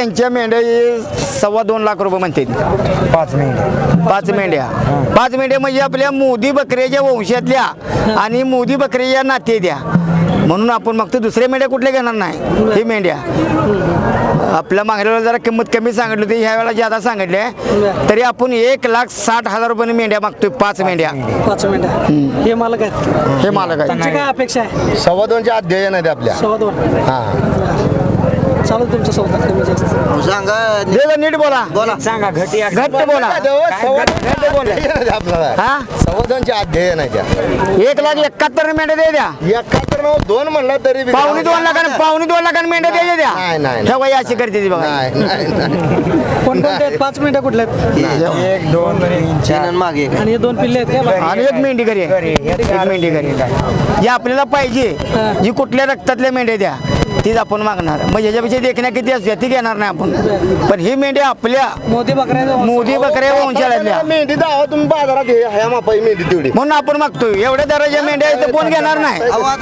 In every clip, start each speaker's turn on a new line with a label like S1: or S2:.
S1: यांच्या मेंढ्या 2.25 लाख रुपये म्हणते.
S2: 5 मेंढ्या
S1: 5 मेंढ्या म्हणजे आपल्या मोदी बकऱ्याच्या वंशातल्या आणि मोदी बकऱ्याच्या नातेद्या म्हणून आपण मग दुसऱ्या मेंढ्या कुठल्या घेणार नाही. हे मेंढ्या आपल्या मागल्या वेळेला जरा किंमत कमी सांगितली होती, ह्या वेळेला ज्यादा सांगितले तरी आपण 1,60,000 रुपये मेंढ्या मागतोय. 5 मेंढ्या.
S3: 5 मिनिटं हे मालक आहेत.
S1: हे मालक आहे.
S3: तुमची काय अपेक्षा आहे?
S4: 2.25 अध्ययन आहे आपल्या.
S3: 2.25
S4: हा
S3: चालू तुमचा सौदा कमी जास्त
S1: दे नीट बोला.
S2: सांगा घट
S1: घट्ट बोला.
S4: आपल्याला
S1: हा
S4: 2.25 अध्ययन आहे त्या.
S1: 1,71,000 मेंढ्या दे द्या.
S4: 2 म्हणलं तरी बी-
S1: 2.25 लाखांनी मेंढ्या द्यायच्या द्या.
S4: नाही.
S1: ठेवा अशी करते ती बघा.
S3: कोणकोणते आहेत? 5 मिनिटं कुठले आहेत?
S2: 1 2 3 4
S3: आणि हे 2 पिल्ले आहेत का?
S1: आणि एक मेंढी घरी आहे. एक मेंढी घरी आहे. जी आपल्याला पाहिजे जी कुठल्या रक्तातल्या मेंढ्या द्या तीच आपण मागणार. मग याच्यापेक्षा देखण्या किती असते ती घेणार नाही आपण. पण ही मेंढ्या आपल्या
S3: मोदी बकऱ्या
S1: मोदी बकऱ्या वंशातल्या
S4: मेंढी दावा तुम्ही बाजारात हे ह्या मापाई मेंढी तेवढी.
S1: म्हणून आपण मागतोय. एवढ्या दराच्या मेंढ्या आहेत तर कोण घेणार नाही.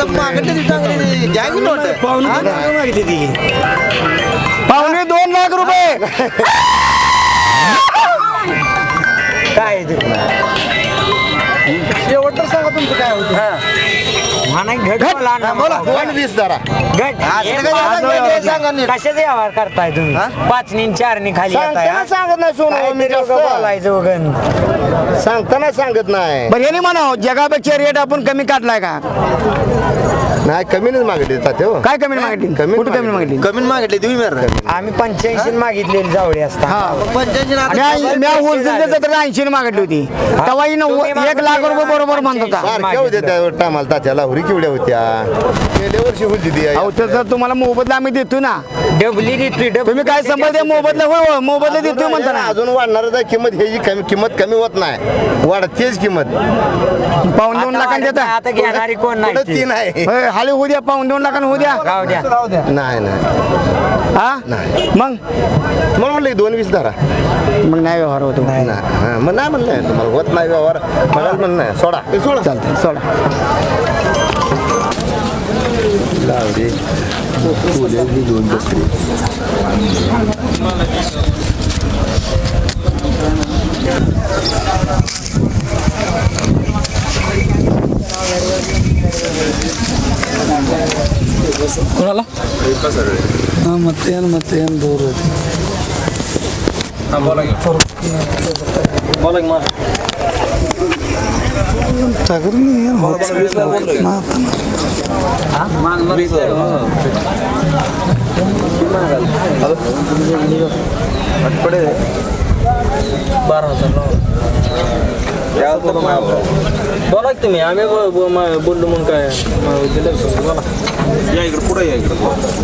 S1: पावणे 2 लाख रुपये.
S2: काय
S3: शेवट सांगा तुमचं काय होतं?
S2: घट बोला
S4: 2.20 जरा.
S2: कशाचा व्यवहार करताय तुम्ही? 5 नी 4 नी खाली
S4: सांगताना सांगत नाही सोनं मी जास्त.
S2: बोलायचं वगैरे.
S4: सांगताना सांगत नाही.
S1: बरं हे नाही म्हणा जगापेक्षा रेट आपण कमी काढलाय का?
S4: नाही कमीनच मागितले तात्या हो.
S1: काय कमी मागितली? कुठं कमी मागितली?
S4: कमी मागितले तुम्ही
S2: आम्ही 85 मागितलेली जावडी असता.
S1: मी होलसेल तर 80 मागितली होती. तेव्हा 1 लाख रुपये बरोबर म्हणत होता.
S4: सारख्या होत्या त्या टायमाला तात्याला हुरी केवढ्या होत्या. गेल्या वर्षी होती ती.
S1: अहो तर तुम्हाला मोबदला आम्ही देतो ना.
S2: डबली देतोय
S1: तुम्ही काय समजते मोबदला? होय मोबदला देतोय म्हणता ना.
S4: अजून वाढणारच आहे किंमत. ह्याची किंमत कमी होत नाही, वाढतेच किंमत.
S1: 2.25 लाखांनी देता.
S2: आता घेणारी कोण नाही.
S4: 3 आहे.
S1: होय हाली होऊ द्या. 2.25 लाखांनी होऊ द्या.
S2: राहू द्या.
S4: नाही
S1: हा मग
S4: मला म्हणलं 2.20 धरा.
S1: मग नाही व्यवहार होतो.
S4: नाही हा, मग नाही म्हणलं तुम्हाला होत नाही व्यवहार. मला म्हणलं नाही सोडा सोडा.
S1: चालतंय सोडा.
S3: कोणाला? ಮತ್ತೆ ಏನು ದೂರ ಟಗರ್ನಿ ಏನು
S5: बोला की तुम्ही आम्ही बोललो म्हणून काय दिलं बोला या इकडे पुढे या इकडे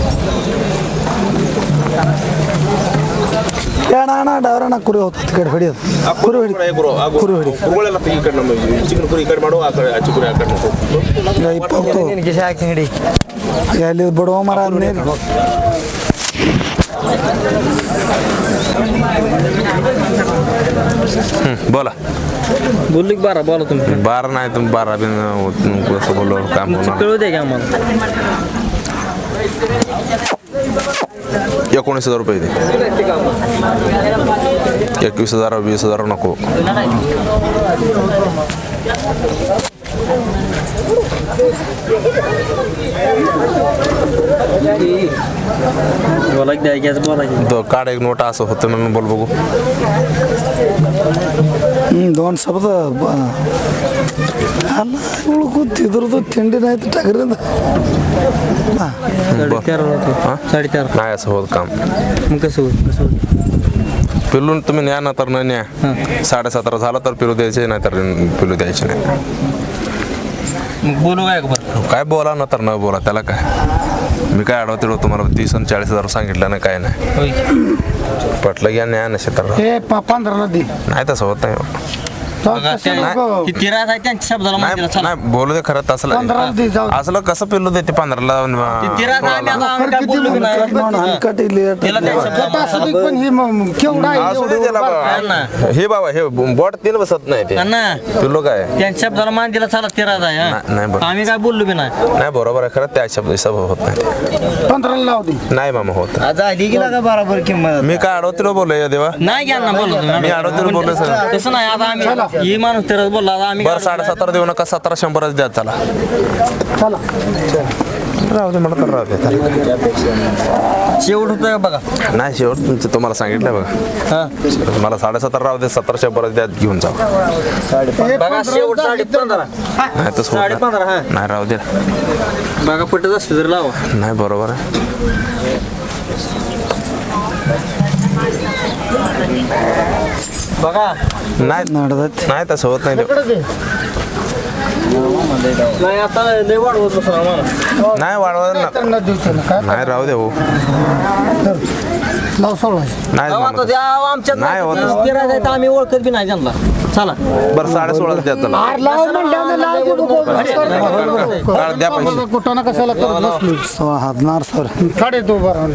S3: ಅಣ್ಣ ಡವರಣ್ಣ ಕುರಿ ಹೋಗ್ತದೆ ಕಡೆ ಹೊಡಿಯೋದು ಕುರಿ ಹೊಡಿ
S5: ಕುರುಗಳೆಲ್ಲ ಈ ಕಡೆ ನಮ್ಮ ಚಿಕನ್ ಕುರಿ ಈ ಕಡೆ ಮಾಡುವ ಆ ಕಡೆ ಅಚ್ಚಿ ಕುರಿ ಆ ಕಡೆ
S3: ಇಪ್ಪತ್ತು ಎಲ್ಲಿ ಬಿಡುವ ಮರ ನೀರು
S6: बोला
S5: बोललो की 12 बोला तुम्ही
S6: 12 नाही तुम्ही 12 बिन कसं बोललो काम होणार.
S5: कळू द्या की आम्हाला
S6: 19,000 रुपये दे. 21,000 20,000 नको.
S5: बोला की द्यायचं बोला की
S6: तो काढ एक नोट असं होतं म्हणून बोल बघू.
S3: दोन शब्द ಅಲ್ಲ ಇವಳು ಕೂತಿದ್ರದ್ದು ತಿಂಡಿ ಆಯ್ತು ಟಗರಿಂದ
S6: नाही असं होत काम.
S5: मग कसं होईल
S6: पिलून तुम्ही न्या ना तर न न्या. 17.5 झाला तर पिलू द्यायचे नाही तर पिलू द्यायचे नाही.
S5: मग बोलू काय बरं
S6: काय बोला ना तर न बोला त्याला काय. मी काय आडवं तिडव तुम्हाला 30 आणि 40,000 सांगितलं ना काय नाही. पटलं घ्या न्या नसे तर
S3: ಏ 15 ದಿ
S6: नाही तसं होत नाही.
S5: तिरा आहे त्यांच्या शब्दाला मान दिला.
S6: नाही नाही, बोलू दे खरं तसलं असलं कसं पिल्लू देते 15ला
S5: तिरा आम्ही काय बोललो की नाही. तिला त्या शब्दाला
S3: पण हे केवढा
S6: असू दे त्याला बाबा. हे बाबा हे बोट तीन बसत नाही ते
S5: ना
S6: पिल्लू काय
S5: त्यांच्या शब्दाला मान दिला चला तिरा आहे
S6: नाही बरोबर.
S5: आम्ही काय बोललो की नाही.
S6: नाही बरोबर आहे खरं त्या शब्द हिसाब होत नाही
S3: 15 लाव दे.
S6: नाही मामा होत.
S2: आधी गेला का बरोबर किंमत
S6: मी काय अडवतीला बोललोय देवा.
S5: नाही घ्या ना बोललो
S6: मी अडवतीला बोललो सर.
S5: तसं नाही आता आम्ही ही माणूस तिरा बोलला आता आम्ही
S6: बरं 17.5 देऊ नका 1700 द्या चला. राहू दे मला तर राहू दे त्याला.
S5: शेवट होतं बघा.
S6: नाही शेवट तुमचं तुम्हाला सांगितलं बघा. मला 17.5 राहू दे 1700 द्या घेऊन जा.
S5: बघा शेवट 15.5
S6: नाही तसं होत
S5: 15.5 हा
S6: नाही. नाही राहू दे.
S5: बघा पटत असते तर लावा.
S6: नाही बरोबर आहे.
S5: बघा
S6: नाही नाही तसं होत नाही ते.
S5: नाही आता लय वाढवत बसू आम्हाला.
S6: नाही वाढवा नाही राहू दे हो.
S3: लाव 16.
S6: नाही
S5: आता
S6: मामा.
S5: त्या आमच्यात
S6: नाही होत.
S5: तिरा जायचं आम्ही ओळखत बी नाही त्यांना. चला
S6: बरं 16.5 द्या चला.
S3: लाव म्हणल्यानं लाव दे बघू.
S6: काढ द्या पैसे.
S3: कुठं कशाला करत बसली हादनार सर काढे तो बरं.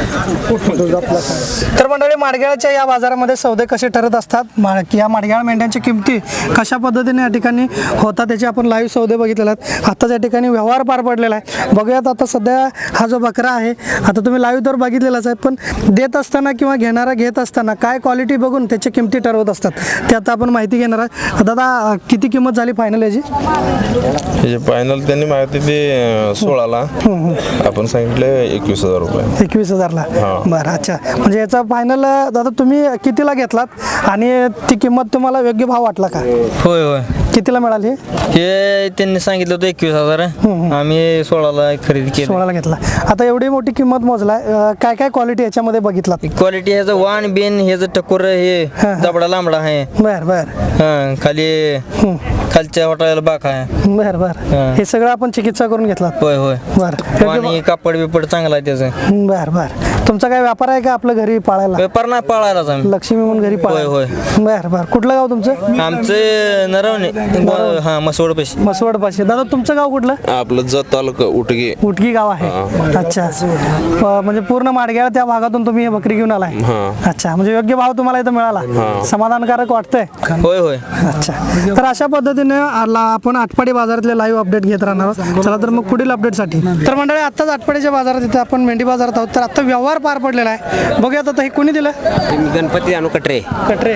S3: तर मंडळी माडग्याळच्या या बाजारामध्ये सौदे कसे ठरत असतात या माडग्याळ मेंढ्यांच्या किमती कशा पद्धतीने या ठिकाणी होतात त्याचे आपण लाईव्ह सौदे बघितलेले आहेत. आताच या ठिकाणी व्यवहार पार पडलेला आहे. बघूयात आता सध्या हा जो बकरा आहे आता तुम्ही लाईव्ह तर बघितलेलाच आहे पण देत असताना किंवा घेणारा घेत असताना काय क्वालिटी बघून त्याची किमती ठरवत असतात ते आता आपण माहिती घेणार आहे. दादा किती किंमत झाली फायनल याची?
S6: फायनल त्यांनी माहिती ते 16ला आपण सांगितले 21,000 रुपये.
S3: 21,000ला.
S6: हा.
S3: बरं अच्छा म्हणजे याचा फायनल दादा तुम्ही कितीला घेतलात आणि ती किंमत तुम्हाला योग्य भाव वाटला का?
S5: होय होय
S3: कितीला मिळाली?
S5: हे त्यांनी सांगितलं होतं 21,000 आम्ही 16ला खरेदी केली.
S3: 16ला घेतला. आता एवढी मोठी किंमत मोजलाय काय काय क्वालिटी याच्यामध्ये बघितलात?
S5: क्वालिटी ह्याचं वाण बिन ह्याचं टकोर हे जबडा लांबडा आहे.
S3: बर बर
S5: हा खाली खालच्या वाटायला बाक आहे.
S3: बर बर हे सगळं आपण चिकित्सा करून घेतलात?
S5: होय होय
S3: बर
S5: आणि कापड बिपड चांगला आहे त्याचं.
S3: बर बर तुमचा काय व्यापार आहे का आपलं घरी पाळायला?
S5: व्यापार नाही पाळायलाच आम्ही.
S3: लक्ष्मी म्हणून घरी पाळायला?
S5: होय,
S3: बर बर कुठलं गाव तुमचं?
S5: आमचं नरवणे हा मसवड पैसे.
S3: मसवड पाशी. दादा तुमचं गाव कुठलं?
S6: आपलं जत तालुका उटगी.
S3: उटगी गाव आहे. अच्छा म्हणजे पूर्ण माडग्याळ त्या भागातून तुम्ही हे बकरी घेऊन आलाय? अच्छा म्हणजे योग्य भाव तुम्हाला इथं मिळाला समाधानकारक वाटतंय?
S5: होय होय
S3: अच्छा तर अशा पद्धतीने आपण आटपाडी बाजारातले लाईव्ह अपडेट घेत राहणार आहोत. चला तर मग पुढील अपडेटसाठी तर मंडळी आत्ताच आटपाडीच्या बाजारात इथे आपण मेंढी बाजारात आहोत. तर आता व्यवहार पार पडलेला आहे. बघूयात आता हे कोणी दिलं?
S2: गणपती आणू कटरे
S3: कटरे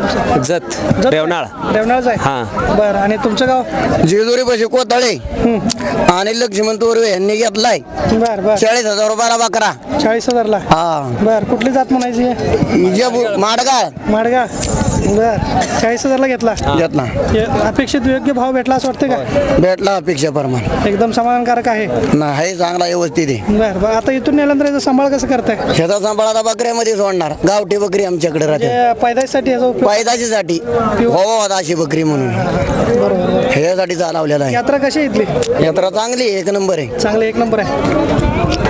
S2: जत रेवनाळ
S3: रेवणाळच आहे. बरं आणि तुमचं गाव?
S7: जेजुरी पैसे कोताळे आणि लक्ष्मण तोरवे यांनी घेतलाय
S3: बर बर
S7: 40,000 रुपयाला बकरा.
S3: 40,000ला.
S7: हा
S3: बर कुठली जात म्हणायची?
S7: माडगाळ
S3: माडगा. बर 40,000ला घेतला.
S7: घेतला
S3: अपेक्षित योग्य भाव भेटला असं वाटतं का?
S7: भेटला अपेक्षा प्रमाण
S3: एकदम समाधानकारक आहे.
S7: नाही चांगला व्यवस्थित आहे.
S3: बर बर आता इथून नेल्यानंतर याचा सांभाळ कसं करताय?
S7: ह्याचा सांभाळ आता बकऱ्यामध्ये सोडणार. गावठी बकरी आमच्याकडे राहते
S3: पैदाशीसाठी याचा उपयोग?
S7: पैदाशीसाठी हो अशी बकरी म्हणून
S3: बरोबर.
S7: ह्याच्यासाठी चालवलेला आहे.
S3: यात्रा कशी आहे इथली?
S7: यात्रा चांगली एक नंबर आहे.
S3: चांगली एक नंबर आहे.